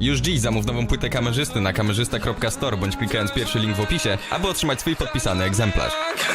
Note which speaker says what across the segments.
Speaker 1: Już dziś zamów nową płytę kamerzysty na kamerzysta.store bądź klikając pierwszy link w opisie, aby otrzymać swój podpisany egzemplarz.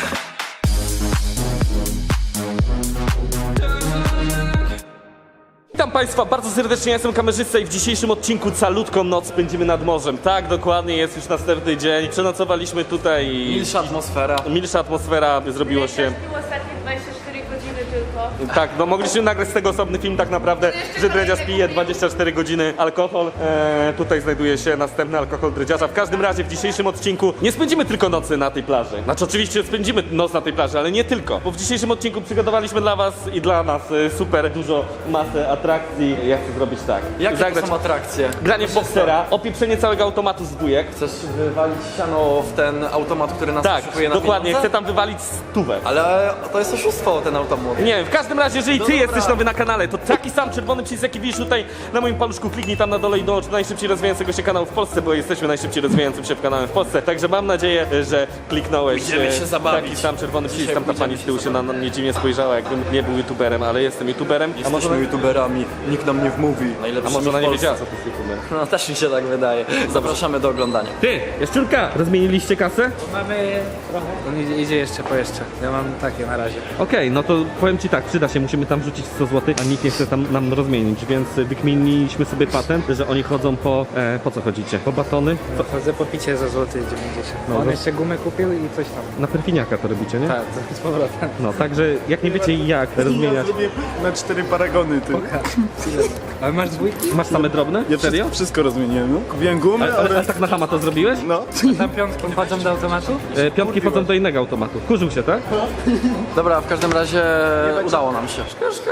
Speaker 2: Witam Państwa bardzo serdecznie, ja jestem kamerzysta i w dzisiejszym odcinku calutką noc spędzimy nad morzem. Tak, dokładnie, jest już następny dzień. Przenocowaliśmy tutaj i... Milsza atmosfera, zrobiło się...
Speaker 3: Było ostatnie 24 godziny tylko.
Speaker 2: Tak, no mogliśmy nagrać z tego osobny film tak naprawdę, że Dredziarz pije 24 godziny alkohol. Tutaj znajduje się następny alkohol Dredziarza. W każdym razie w dzisiejszym odcinku nie spędzimy tylko nocy na tej plaży. Znaczy oczywiście spędzimy noc na tej plaży, ale nie tylko. Bo w dzisiejszym odcinku przygotowaliśmy dla was i dla nas super dużo masę atrakcji. Ja chcę zrobić tak.
Speaker 4: Jakie to są atrakcje?
Speaker 2: Granie w boksera, opieprzenie całego automatu z bójek.
Speaker 4: Chcesz wywalić siano w ten automat, który nas
Speaker 2: Tak,
Speaker 4: oszukuje na
Speaker 2: dokładnie,
Speaker 4: pieniądze?
Speaker 2: chcę tam wywalić stówę.
Speaker 4: Ale to jest oszustwo, ten automat.
Speaker 2: Nie wiem, w każdym razie, jeżeli ty
Speaker 4: dobra.
Speaker 2: jesteś nowy na kanale, to taki sam czerwony przycisk, jaki widzisz tutaj na moim paluszku, kliknij tam na dole i dołącz do najszybciej rozwijającego się kanału w Polsce, bo jesteśmy najszybciej rozwijającym się kanałem w Polsce. Także mam nadzieję, że kliknąłeś
Speaker 4: Idziemy się zabawić.
Speaker 2: taki sam czerwony przycisk. Tam ta pani z tyłu się na mnie dziwnie spojrzała, jakbym nie był youtuberem, ale jestem youtuberem.
Speaker 4: Jesteśmy youtuberami, nikt nam nie wmówi.
Speaker 2: A może ona nie wiedziała, co to jest youtuber?
Speaker 4: No też mi się tak wydaje. Zapraszamy do oglądania.
Speaker 2: Ty, Jaszczurka, rozmieniliście kasę?
Speaker 5: Mamy trochę. On idzie jeszcze po jeszcze. Ja mam takie na razie.
Speaker 2: Okej, no to powiem ci tak, przyda się, musimy tam wrzucić 100 zł, a nikt nie chce tam nam rozmienić, więc wykminiliśmy sobie patent, że oni chodzą po co chodzicie? Po batony?
Speaker 5: Chodzę po picie za złoty 90.
Speaker 2: No,
Speaker 5: On
Speaker 2: to-
Speaker 5: jeszcze gumę kupił i coś tam.
Speaker 2: Na perfiniaka to robicie, nie?
Speaker 5: Tak, z powrotem.
Speaker 2: No, także jak nie wiecie jak rozmieniać.
Speaker 6: Na 4 paragony, ty.
Speaker 5: Ale masz dwójki?
Speaker 2: Masz same drobne?
Speaker 6: Ja
Speaker 2: Serio?
Speaker 6: wszystko rozmieniłem, no. Kupiłem gumy,
Speaker 2: Ale tak na chama to zrobiłeś?
Speaker 6: No.
Speaker 5: Tam piątki wchodzą do automatu?
Speaker 2: Piątki potem do innego automatu. Kurzył się, tak?
Speaker 4: Dobra, w każdym razie udało nam się.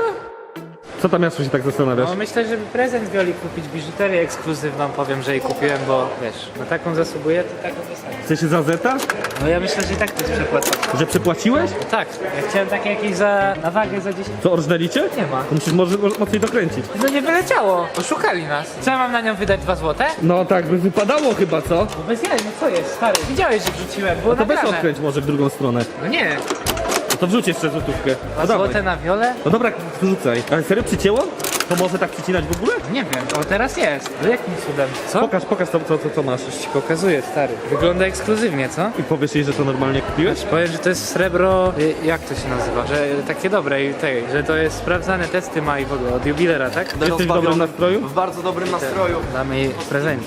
Speaker 2: Co tam Jaszu się tak zastanawiasz?
Speaker 5: No myślę, żeby prezent Wioli kupić, biżuterię ekskluzywną, powiem, że jej kupiłem, bo wiesz, na taką zasługuję, to taką dostanę.
Speaker 2: Chce się za zeta?
Speaker 5: No ja myślę, że i tak to jest przepłacone.
Speaker 2: Że przepłaciłeś?
Speaker 5: Tak, ja chciałem takie jakieś na wagę za 10.
Speaker 2: Co, orżnęlicie?
Speaker 5: Nie ma.
Speaker 2: To musisz może mocniej dokręcić.
Speaker 5: No nie wyleciało, oszukali nas. Co ja mam na nią wydać 2 złote?
Speaker 2: No tak by wypadało chyba, co?
Speaker 5: No bez jaj, no co jest, stary? Widziałeś, że wrzuciłem, było
Speaker 2: To weź
Speaker 5: nagrane.
Speaker 2: odkręć może w drugą stronę.
Speaker 5: No nie,
Speaker 2: No to wrzuć jeszcze złotówkę.
Speaker 5: 2
Speaker 2: No dawaj.
Speaker 5: złote na Wiolę?
Speaker 2: No dobra, wrzucaj. Ale serio przycięło? To może tak przycinać w ogóle?
Speaker 5: Nie wiem, o teraz jest. No jakim cudem? Co?
Speaker 2: Pokaż co masz.
Speaker 5: Ci pokazuję, stary. Wygląda ekskluzywnie, co?
Speaker 2: I powiesz jej, że to normalnie kupiłeś?
Speaker 5: Powiem, że to jest srebro, jak to się nazywa? Że takie dobre i tej, że to jest sprawdzane testy ma i w ogóle od jubilera, tak?
Speaker 2: Jesteś w dobrym nastroju?
Speaker 4: W bardzo dobrym nastroju.
Speaker 5: Damy jej w prezencie.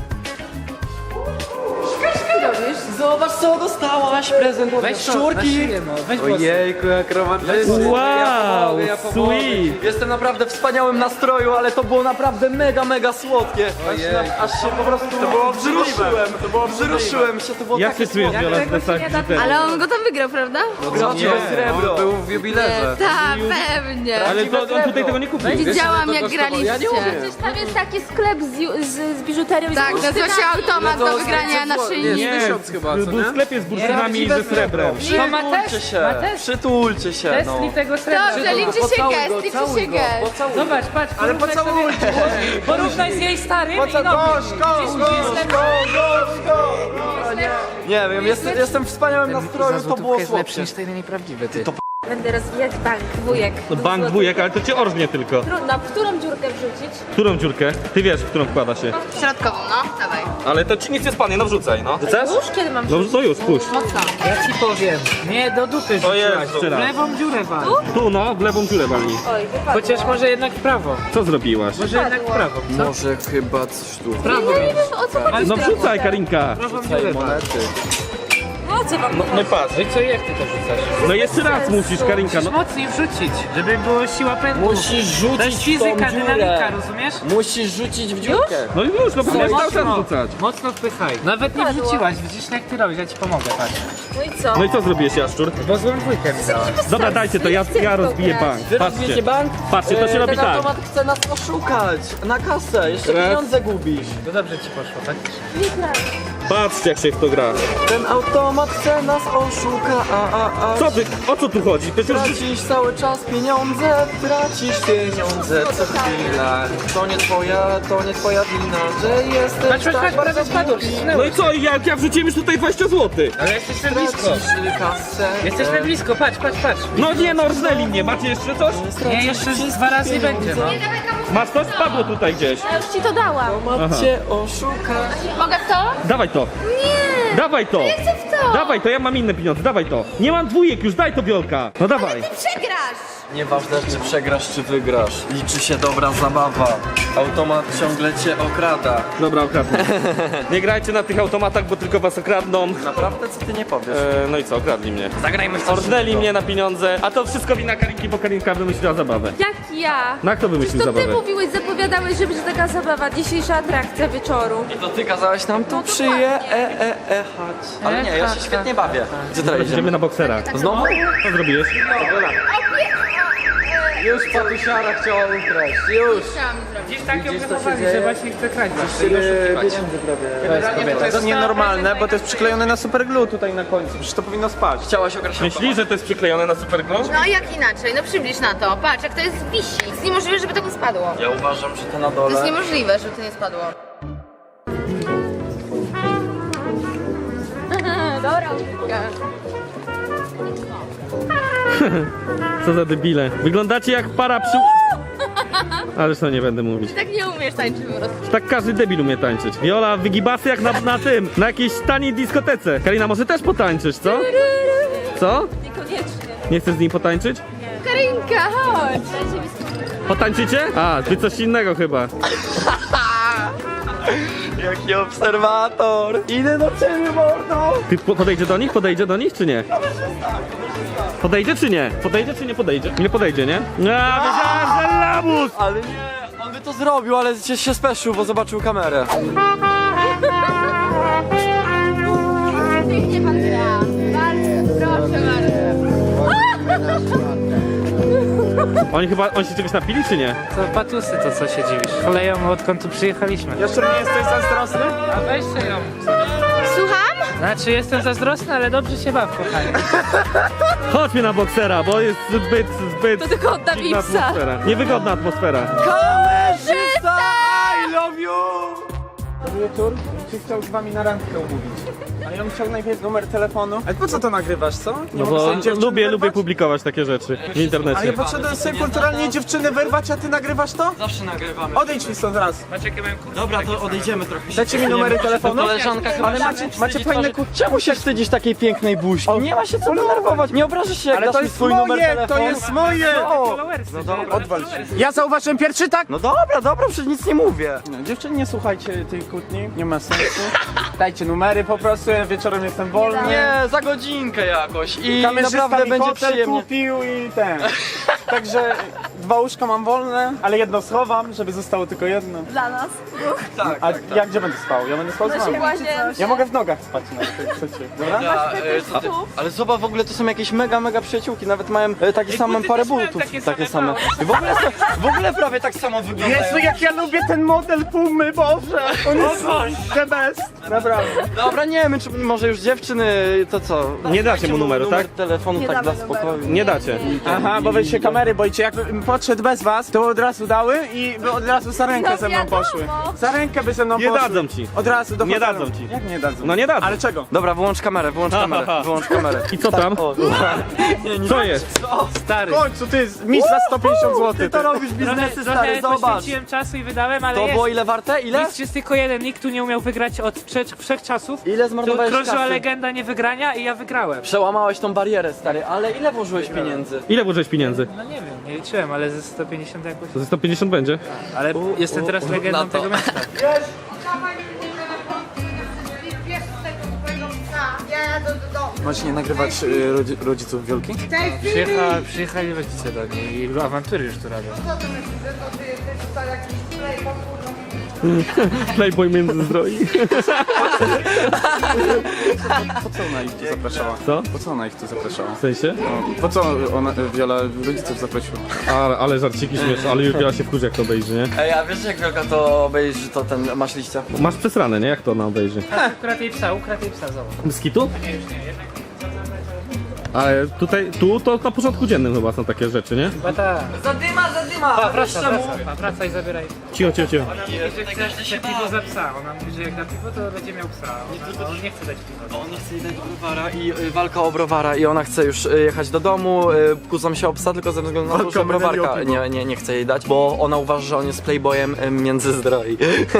Speaker 4: Zobacz co dostałaś, prezent od
Speaker 5: Weź to,
Speaker 4: szczurki.
Speaker 5: na szyję, no, weź włosy.
Speaker 4: Ojejku, jak romantycznie.
Speaker 2: Wow,
Speaker 4: ja pomogę.
Speaker 2: sweet.
Speaker 4: Jestem naprawdę w wspaniałym nastroju, ale to było naprawdę mega słodkie. Aż się po prostu wzruszyłem się, to było
Speaker 2: Jak
Speaker 4: takie
Speaker 2: się czujesz,
Speaker 4: słodkie.
Speaker 2: Wiola, w plecach biżuterii?
Speaker 3: Ale on go tam wygrał, prawda?
Speaker 4: Prawdziwe srebro. Był w jubilerze.
Speaker 3: Tak, pewnie.
Speaker 2: Ale to on tutaj tego nie kupił.
Speaker 3: Widziałam jak graliście.
Speaker 7: Przecież tam jest taki sklep z biżuterią i
Speaker 3: Tak,
Speaker 7: z
Speaker 3: nazywa się automat do
Speaker 4: to
Speaker 3: wygrania na szyi.
Speaker 2: Nie, był w sklepie z bursztynami i ze srebrem.
Speaker 5: To ma
Speaker 4: Przytulcie
Speaker 5: test,
Speaker 4: się,
Speaker 5: ma test.
Speaker 4: przytulcie się,
Speaker 5: Test
Speaker 4: no.
Speaker 5: li tego srebra.
Speaker 3: Dobrze, liczy się gest, liczy się gest.
Speaker 5: Zobacz, patrz,
Speaker 4: Ale
Speaker 5: porównaj
Speaker 4: pocałuj
Speaker 5: sobie- Porównaj z jej starym i nowym.
Speaker 4: Nie wiem, jestem w wspaniałym nastroju, to było
Speaker 5: jest lepszy
Speaker 4: słodkie.
Speaker 5: niż ten nieprawdziwy, ty.
Speaker 7: będę rozwijać bank, wujek.
Speaker 2: No bank wujek, ale to cię orżnie tylko.
Speaker 7: Trudno, w którą dziurkę wrzucić?
Speaker 2: Którą dziurkę? Ty wiesz, w którą wkłada się.
Speaker 3: Środkową, no, dawaj.
Speaker 2: Ale to ci nic nie spadnie, no wrzucaj, no. Chcesz?
Speaker 7: Już kiedy mam
Speaker 2: No to już, puść.
Speaker 5: Ja ci powiem. Nie, do dupy
Speaker 2: Jezu.
Speaker 5: rzuciłaś. W lewą dziurę wal.
Speaker 2: Tu no, w lewą dziurę walnij.
Speaker 7: Oj, wypadło.
Speaker 5: Chociaż może jednak w prawo.
Speaker 2: Co zrobiłaś?
Speaker 5: Może jednak w prawo. Co?
Speaker 4: Może chyba coś tu.
Speaker 5: W prawo.
Speaker 7: Ja nie wiem, o co chodzi.
Speaker 2: No wrzucaj, Karinka.
Speaker 5: Prawą dziurę wal.
Speaker 7: O co wam
Speaker 2: No i patrz.
Speaker 5: No i co, jak ty to rzucasz?
Speaker 2: No jeszcze raz musisz, Karinka, no.
Speaker 5: Mocniej wrzucić, żeby było siła pędu.
Speaker 4: Musisz rzucić
Speaker 5: To jest
Speaker 4: w tą
Speaker 5: fizyka,
Speaker 4: dziurę.
Speaker 5: dynamika, rozumiesz?
Speaker 4: Musisz rzucić w dziurkę.
Speaker 2: No i już, no powinieneś cały czas rzucać.
Speaker 5: Mocno wpychaj. Nawet nie wrzuciłaś, widzisz jak ty robisz, ja ci pomogę, patrz.
Speaker 7: No i co?
Speaker 2: No i co zrobiłeś, Jaszczur?
Speaker 5: Bo złą dwójkę mi dałaś.
Speaker 2: Dobra, dajcie to, ja rozbiję bank.
Speaker 4: Wy rozbijecie
Speaker 2: Patrzcie,
Speaker 4: bank?
Speaker 2: patrzcie, to się robi
Speaker 4: Ten
Speaker 2: tak.
Speaker 4: automat chce nas oszukać. Na kasę, jeszcze
Speaker 2: Raz.
Speaker 4: pieniądze gubisz.
Speaker 5: To dobrze ci poszło, tak?
Speaker 2: Patrzcie, jak się w to gra.
Speaker 4: Ten automat chce nas oszuka,
Speaker 2: Co ty, o co tu chodzi? Przecież już...
Speaker 4: Tracisz cały czas pieniądze, tracisz pieniądze co chwila. To nie twoja wina, że jesteś
Speaker 5: Patrz,
Speaker 4: tak
Speaker 5: prawie
Speaker 4: bardzo
Speaker 5: spadło,
Speaker 4: głupi.
Speaker 2: No
Speaker 5: przesunęłeś.
Speaker 2: i co, jak wrzuciłem już tutaj 20 zł?
Speaker 5: Ale jesteśmy blisko.
Speaker 4: Tracisz kasę.
Speaker 5: Jesteśmy blisko, patrz.
Speaker 2: No nie, no rżnęli mnie, macie jeszcze coś?
Speaker 5: Nie, jeszcze 2 razy będzie, no.
Speaker 2: Masz coś? Spadło tutaj gdzieś.
Speaker 7: Ja już ci to dałam.
Speaker 4: Macie oszukać.
Speaker 3: Mogę w to?
Speaker 2: Dawaj to.
Speaker 7: Nie!
Speaker 2: Dawaj to.
Speaker 7: Nie chcę w to!
Speaker 2: Dawaj to, ja mam inne pieniądze, dawaj to. Nie mam dwójek już, daj to Wiolka. No dawaj.
Speaker 3: Ty przegrasz!
Speaker 4: Nieważne, czy przegrasz, czy wygrasz. Liczy się dobra zabawa. Automat ciągle cię okrada.
Speaker 2: Dobra, okradnę. Nie grajcie na tych automatach, bo tylko was okradną.
Speaker 4: Naprawdę, co ty nie powiesz?
Speaker 2: No i co, okradli mnie.
Speaker 4: Zagrajmy w coś
Speaker 2: Orznęli
Speaker 4: innego.
Speaker 2: mnie na pieniądze, a to wszystko wina Karinki, bo Karinka wymyśliła zabawę.
Speaker 7: Jak ja?
Speaker 2: Na kto wymyślił
Speaker 7: To ty
Speaker 2: zabawę?
Speaker 7: mówiłeś, zapowiadałeś, że będzie taka zabawa, dzisiejsza atrakcja wieczoru.
Speaker 4: I to ty kazałeś nam tu chać. Ale nie, ja się świetnie bawię. Gdzie teraz
Speaker 2: Idziemy
Speaker 4: idziemy?
Speaker 2: na boksera.
Speaker 4: Znowu?
Speaker 2: Co zrobiłeś?
Speaker 4: Już patusiara chciała ukraść. Już.
Speaker 5: Gdzieś tak ją
Speaker 4: Widzisz, co się
Speaker 5: wychowali,
Speaker 4: dzieje?
Speaker 5: że właśnie chce kraść.
Speaker 6: Generalnie to jest nienormalne, bo to jest przyklejone na superglue tutaj na końcu. Przecież to powinno spać.
Speaker 4: Chciałaś okraść
Speaker 2: Myślisz, że to jest przyklejone na superglue?
Speaker 3: No jak inaczej? No przybliż na to. Patrz, jak to jest wisi. Jest niemożliwe, żeby to nie spadło.
Speaker 4: Ja uważam, że to na
Speaker 3: To jest
Speaker 4: dole.
Speaker 3: niemożliwe, żeby to nie spadło.
Speaker 7: Dobra,
Speaker 2: Co za debile. Wyglądacie jak para przy... Ależ to nie będę mówić.
Speaker 7: tak nie umiesz tańczyć po prostu.
Speaker 2: Tak każdy debil umie tańczyć. Viola, wygibasy jak na tym, na jakiejś taniej dyskotece. Karina, może też potańczysz, co? Co?
Speaker 7: Niekoniecznie.
Speaker 2: Nie chcesz z nim potańczyć?
Speaker 7: Karinka, chodź!
Speaker 2: Potańczycie? A, ty coś innego chyba.
Speaker 4: Jaki obserwator! Idę do ciebie, mordo!
Speaker 2: Ty podejdzie do nich? Podejdzie do nich, czy nie? Podejdzie, czy nie? Podejdzie, czy nie podejdzie? Nie podejdzie, nie? A, wiedziałem, że lamus!
Speaker 4: Ale nie, on by to zrobił, ale się speszył, bo zobaczył kamerę.
Speaker 3: Pięknie pan gra. Bardzo, proszę bardzo.
Speaker 2: Oni się czegoś napili, czy nie?
Speaker 5: To patusy to, co się dziwisz. Koleją odkąd tu przyjechaliśmy.
Speaker 6: Jeszcze nie jesteś zazdrosny?
Speaker 5: A weźcie ją.
Speaker 3: Słucham?
Speaker 5: Znaczy jestem zazdrosny, ale dobrze się baw, kochanie.
Speaker 2: Chodźmy na boksera, bo jest zbyt
Speaker 7: To tylko odda
Speaker 2: dziwna
Speaker 7: psa.
Speaker 2: atmosfera. Niewygodna atmosfera.
Speaker 4: Kamerzysta!
Speaker 6: I love you! Wieczór, czy chciał z wami na randkę umówić? Ale ja bym chciał najpierw numer telefonu. Ale po co to nagrywasz, co? Nie
Speaker 2: No
Speaker 6: mogę
Speaker 2: bo
Speaker 6: sobie dziewczyny
Speaker 2: lubię
Speaker 6: wyrwać?
Speaker 2: publikować takie rzeczy w
Speaker 6: Ale ja
Speaker 2: internecie.
Speaker 6: poszedłem sobie kulturalnie dziewczynę wyrwać, a ty nagrywasz to?
Speaker 4: Zawsze nagrywamy.
Speaker 6: Odejdź mi stąd raz.
Speaker 5: Macie jakie mają kursy?
Speaker 4: Dobra, to odejdziemy trochę.
Speaker 6: Dajcie mi numery telefonu.
Speaker 4: Koleżanka chyba
Speaker 6: Ale
Speaker 4: się
Speaker 6: macie
Speaker 4: wstydzi
Speaker 6: fajne
Speaker 4: twarzy. Czemu się wstydzisz takiej pięknej buźki? Nie ma się co denerwować. Nie obrażasz się, jak
Speaker 6: Ale
Speaker 4: dasz
Speaker 6: to
Speaker 4: mi
Speaker 6: jest
Speaker 4: swój numer
Speaker 6: moje,
Speaker 4: telefonu.
Speaker 6: to jest moje!
Speaker 5: Followersy.
Speaker 6: Odwal się. Ja zauważyłem pierwszy tak?
Speaker 4: No dobra, przecież nic nie mówię.
Speaker 6: No, dziewczyny, nie słuchajcie tej kłótni, nie ma sensu. Dajcie numery po prostu, ja wieczorem jestem wolny.
Speaker 4: Nie, za godzinkę jakoś i
Speaker 6: Kamerzysta
Speaker 4: naprawdę
Speaker 6: mi
Speaker 4: będzie
Speaker 6: hotel
Speaker 4: przyjemnie.
Speaker 6: kupił i ten. Także 2 łóżka mam wolne, ale jedno schowam, żeby zostało tylko jedno.
Speaker 7: Dla nas.
Speaker 4: Tak,
Speaker 6: A ja gdzie będę spał? Ja będę spał z wami.
Speaker 7: Właśnie.
Speaker 6: Ja mogę w nogach spać nawet, jak chcecie. Dobra?
Speaker 4: Ale zobacz, w ogóle to są jakieś mega przyjaciółki, nawet mają takie same
Speaker 5: buty
Speaker 4: parę
Speaker 5: też mają
Speaker 4: butów.
Speaker 5: takie same.
Speaker 4: I w ogóle prawie tak samo wyglądają.
Speaker 6: Jezu, jak ja lubię ten model Pumy, Boże! On jest the best, naprawdę.
Speaker 4: Dobra, nie wiem, czy może już dziewczyny, to co?
Speaker 2: Nie dacie mu numeru,
Speaker 4: numer
Speaker 2: tak?
Speaker 4: telefonu tak dla spokoju.
Speaker 2: Nie dacie.
Speaker 6: Aha, bo wy się kamery boicie. Jakbym podszedł bez was, to od razu dały i by od razu za rękę
Speaker 7: No
Speaker 6: ze mną
Speaker 7: wiadomo.
Speaker 6: poszły. Za rękę by ze mną
Speaker 2: Nie
Speaker 6: poszły.
Speaker 2: dadzą ci.
Speaker 6: Od razu do
Speaker 2: Nie
Speaker 6: hotelu.
Speaker 2: dadzą ci.
Speaker 6: Jak nie dadzą?
Speaker 2: No nie dadzą.
Speaker 6: Ale czego?
Speaker 4: Dobra, wyłącz kamerę, wyłącz kamerę.
Speaker 2: I co tam?
Speaker 4: O,
Speaker 2: Co jest?
Speaker 5: Stary.
Speaker 6: W końcu ty, mistrz za 150 zł.
Speaker 4: ty to robisz biznesy, stary,
Speaker 5: Trochę
Speaker 4: zobacz.
Speaker 5: poświęciłem czasu i wydałem, ale
Speaker 4: To
Speaker 5: jest.
Speaker 4: było ile warte? Ile?
Speaker 5: Mistrz jest tylko jeden, nikt tu nie umiał wygrać od wszechczasów.
Speaker 4: Ile zmarnowałeś
Speaker 5: Krążyła
Speaker 4: kasy?
Speaker 5: legenda nie wygrania i ja wygrałem.
Speaker 4: Przełamałeś tą barierę, stary, ale ile włożyłeś pieniędzy?
Speaker 2: Ile włożyłeś pieniędzy?
Speaker 5: No nie wiem, nie liczyłem, ale ze 150 jakoś.
Speaker 2: To ze 150 będzie.
Speaker 5: Ale jestem teraz legendą
Speaker 4: na to.
Speaker 5: tego miasta.
Speaker 6: Macie nie nagrywać rodziców Wielki?
Speaker 5: Przyjechali rodzice do niej i awantury już tu robią.
Speaker 2: Playboy Międzyzdroi.
Speaker 6: Po co ona ich tu zapraszała?
Speaker 2: Co?
Speaker 6: Po co ona ich tu zapraszała?
Speaker 2: W sensie?
Speaker 6: No, po co ona, Wiola, rodziców zaprosiła?
Speaker 2: Ale żarciki śmieszne, ale Julia się wkurzy jak to obejrzy, nie?
Speaker 4: Ej, a wiesz jak Wielka to obejrzy, to ten masz liścia?
Speaker 2: Masz przesrane, nie? Jak to ona obejrzy?
Speaker 5: Ukradł jej psa, zobacz.
Speaker 2: Z kitu?
Speaker 5: Nie, już nie, jednak
Speaker 2: Ale tutaj, tu to na porządku dziennym chyba są takie rzeczy, nie?
Speaker 5: Chyba tak.
Speaker 4: Zadyma!
Speaker 5: Pa, wraca i zabieraj.
Speaker 2: Cicho.
Speaker 5: Jeżeli chcesz piwo za psa, ona mówi, że jak da piwo, to będzie miał psa. On nie chce dać piwa.
Speaker 4: On nie chce jej dać browara i walka o browara i ona chce już jechać do domu, kłócą się o psa tylko ze względu na to, że browarka nie chce jej dać, bo ona uważa, że on jest playboyem międzyzdroi.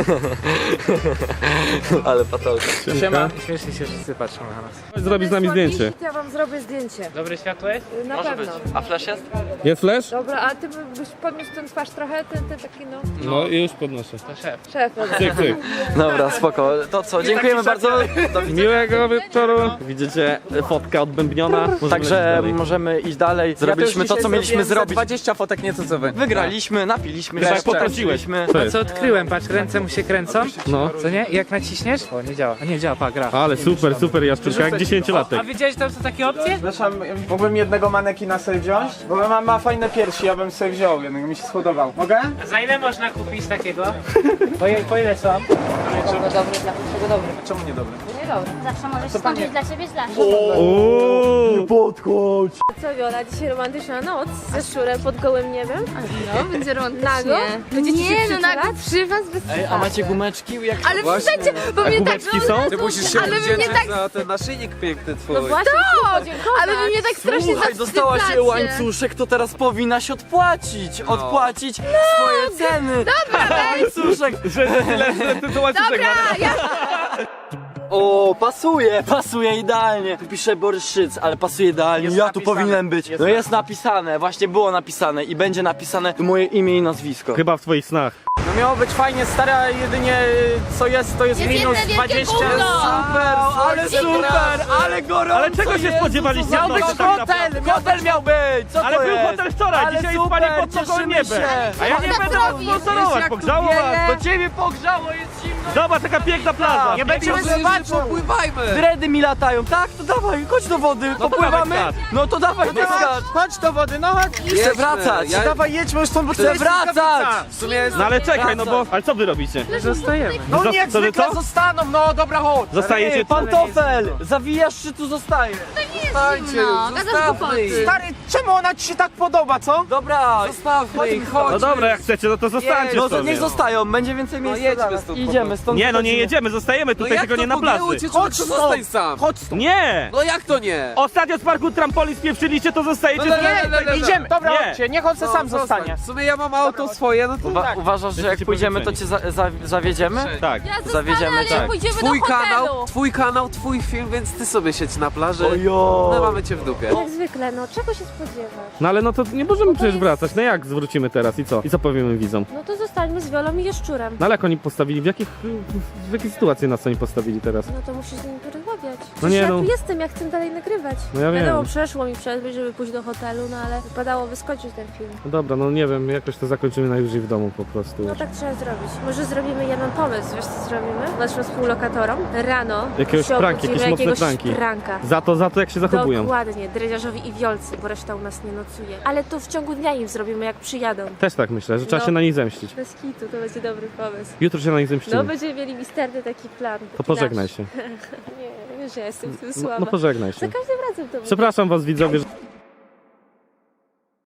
Speaker 4: Ale patolka.
Speaker 5: Siema. Śmiesznie się wszyscy patrzą na nas.
Speaker 2: Zrobić z nami zdjęcie.
Speaker 8: Ja wam zrobię zdjęcie.
Speaker 5: Dobre światło jest?
Speaker 8: Na
Speaker 4: Może
Speaker 8: pewno.
Speaker 4: być. A flash jest?
Speaker 2: Jest flash?
Speaker 8: Dobra, a ty byś podniósł ten twarz trochę, ten taki no.
Speaker 2: No i już podnoszę.
Speaker 5: To szef.
Speaker 8: Szef, dobra.
Speaker 2: Cyk.
Speaker 4: Dobra, spoko. To co, dziękujemy bardzo. Do widzenia.
Speaker 2: Miłego wieczoru. Widzicie, fotka odbębniona.
Speaker 4: Także możemy iść dalej. Zrobiliśmy to, co mieliśmy zrobić.
Speaker 6: 20 fotek, nieco co wy.
Speaker 4: Wygraliśmy, napiliśmy
Speaker 2: Tak,
Speaker 4: się,
Speaker 2: poprosiłeś.
Speaker 4: szczęśliśmy.
Speaker 2: Co
Speaker 5: A
Speaker 2: jest?
Speaker 5: co odkryłem? Patrz, ręce mu się kręcą.
Speaker 2: No.
Speaker 5: Co nie? I jak naciśniesz? O, nie działa. A nie działa, pa, gra.
Speaker 2: Ale super Jaszczurka, jak 10-latek.
Speaker 5: A wiedziałeś tam, co takie opcje?
Speaker 6: Przepraszam, mógłbym jednego manekina sobie wziąć? Bo ma fajne piersi, ja bym sobie wziął, jednego mi się spodobał. Mogę?
Speaker 5: Za ile można kupić takiego? Po ile są?
Speaker 8: Dobry, dla wszystkiego dobry.
Speaker 6: Czemu nie dobry?
Speaker 8: Nie dobry.
Speaker 7: Zawsze możesz skończyć dla siebie źle. Co Wiola, dzisiaj romantyczna noc ze szczurem pod gołym niebem?
Speaker 3: No, będzie romantycznie.
Speaker 7: Nago? Będziecie się
Speaker 3: Nie, no
Speaker 7: przytulać?
Speaker 3: nago przy was bez
Speaker 4: Ej, a macie gumeczki? Jak
Speaker 3: Ale przestańcie, bo mnie tak...
Speaker 2: Kubeczki są?
Speaker 8: Ty musisz się
Speaker 3: Ale wy mnie tak...
Speaker 6: za ten naszyjnik piękny twój.
Speaker 7: No właśnie, podziękować.
Speaker 3: Ale wy mnie tak strasznie
Speaker 4: Słuchaj, dostała się
Speaker 3: zawstydzacie.
Speaker 4: łańcuszek, to teraz powinnaś odpłacić swoje ceny. Dobra, łańcuszek.
Speaker 3: Dobra, ja...
Speaker 4: O, pasuje idealnie. Tu pisze Boryszyc, ale pasuje idealnie. Ja tu powinienem być. No jest napisane, właśnie było napisane i będzie napisane moje imię i nazwisko.
Speaker 2: Chyba w twoich snach.
Speaker 6: No miało być fajnie, stara, jedynie co jest, to jest
Speaker 3: Jest
Speaker 6: minus
Speaker 3: jedno wielkie
Speaker 6: 20.
Speaker 3: gówno.
Speaker 4: Ale gorąco.
Speaker 2: Ale czego się spodziewaliście?
Speaker 6: Miał być hotel miał być! Co
Speaker 2: Ale
Speaker 6: to
Speaker 2: był
Speaker 6: jest?
Speaker 2: hotel wczoraj,
Speaker 6: Ale
Speaker 2: dzisiaj
Speaker 6: super,
Speaker 2: spanie pod nogą
Speaker 6: cieszymy
Speaker 2: niebem.
Speaker 6: się.
Speaker 2: A ja nie
Speaker 3: tak
Speaker 2: będę was
Speaker 3: robisz.
Speaker 2: sponsorować,
Speaker 6: Jak
Speaker 2: pogrzało
Speaker 6: tu
Speaker 2: was.
Speaker 6: wieje.
Speaker 4: Do ciebie pogrzało, jest zimno.
Speaker 2: Zobacz, taka piękna plaża.
Speaker 6: Nie będziemy zobaczył!
Speaker 4: Dredy mi latają, tak? To dawaj, chodź do wody, popływamy.
Speaker 2: dawaj,
Speaker 4: No to dawaj, ty skacz.
Speaker 6: Chodź do wody, no chodź!
Speaker 4: Chcę wracać.
Speaker 6: Dawaj, jedźmy już stąd, bo
Speaker 4: Chcę wracać.
Speaker 6: W sumie jest...
Speaker 2: No ale czekaj, no bo... Ale co wy robicie?
Speaker 5: Zostajemy.
Speaker 6: No
Speaker 2: Co-
Speaker 6: nie, jak
Speaker 2: co wy
Speaker 6: zwykle
Speaker 2: co?
Speaker 6: zostaną, no dobra, chodź!
Speaker 2: Zostajecie
Speaker 4: Ej, pantofel, zawijasz czy tu zostaje?
Speaker 3: No, gadasz głupoty.
Speaker 6: Stary, czemu ona ci się tak podoba, co?
Speaker 4: Dobra, zostawmy ich, chodź.
Speaker 2: No dobra, jak chcecie, no to zostańcie
Speaker 4: No to
Speaker 2: sobie.
Speaker 4: niech zostają, będzie więcej miejsca. Idziemy stąd.
Speaker 2: Nie, no nie
Speaker 4: wychodzimy.
Speaker 2: jedziemy, zostajemy tutaj, tylko nie na plaży.
Speaker 6: Chodź stąd!
Speaker 9: sam.
Speaker 6: Chodź stąd!
Speaker 2: Nie!
Speaker 9: No jak to nie?
Speaker 2: Ostatnio z parku trampolin spieprzyliście, to zostajecie
Speaker 9: No,
Speaker 2: tutaj.
Speaker 6: Idziemy! Dobra,
Speaker 2: Nie.
Speaker 6: chodźcie, niech on se sam zostanie.
Speaker 9: W sumie ja mam auto swoje, no to
Speaker 4: Uważasz, że jak
Speaker 2: Jesteście
Speaker 4: pójdziemy, to cię zawiedziemy?
Speaker 2: Tak.
Speaker 7: Ja zostanę,
Speaker 4: Zawiedziemy,
Speaker 7: ale
Speaker 4: tak.
Speaker 7: jak pójdziemy
Speaker 9: twój
Speaker 7: do hotelu.
Speaker 9: kanał, twój film, więc ty sobie siedź na plaży.
Speaker 4: Ojo.
Speaker 9: No mamy cię w dupie.
Speaker 7: Jak zwykle, no czego się spodziewasz?
Speaker 2: No ale no to nie możemy przecież wracać. No jak zwrócimy teraz i co? I co powiemy widzom?
Speaker 7: No to zostańmy z Wiolą i Jaszczurem.
Speaker 2: No ale jak oni postawili? W jakiej sytuacji nas oni postawili teraz?
Speaker 7: No to musisz z nimi porozmawiać.
Speaker 2: No
Speaker 7: Przecież
Speaker 2: nie,
Speaker 7: ja
Speaker 2: no.
Speaker 7: tu jestem, ja chcę dalej nagrywać.
Speaker 2: No ja
Speaker 7: Wiadomo,
Speaker 2: wiem.
Speaker 7: przeszło mi przez myśl, żeby pójść do hotelu, no ale wypadało wyskoczyć ten film.
Speaker 2: No dobra, no nie wiem, jakoś to zakończymy najwyżej w domu po prostu.
Speaker 7: No tak trzeba zrobić. Może zrobimy jeden pomysł, wiesz co zrobimy? Naszym współlokatorom rano
Speaker 2: Jakiegoś
Speaker 7: się
Speaker 2: pranki,
Speaker 7: obudzimy,
Speaker 2: jakieś mocne
Speaker 7: jakiegoś
Speaker 2: pranki.
Speaker 7: pranka.
Speaker 2: Za to jak się zachowują.
Speaker 7: Dokładnie, dredziarzowi i wiolcy, bo reszta u nas nie nocuje. Ale to w ciągu dnia im zrobimy, jak przyjadą.
Speaker 2: Też tak myślę, że trzeba
Speaker 7: No.
Speaker 2: się na nich zemścić.
Speaker 7: Bez kitu, to będzie dobry pomysł.
Speaker 2: Jutro się na nich zemścimy.
Speaker 7: No, będziemy mieli misterny taki plan.
Speaker 2: To pożegnaj się.
Speaker 7: Nie, wiesz, że ja jestem w tym
Speaker 2: No,
Speaker 7: słaba.
Speaker 2: no pożegnaj
Speaker 7: Za
Speaker 2: się.
Speaker 7: każdym razem to mówię.
Speaker 2: Przepraszam was widzowie, że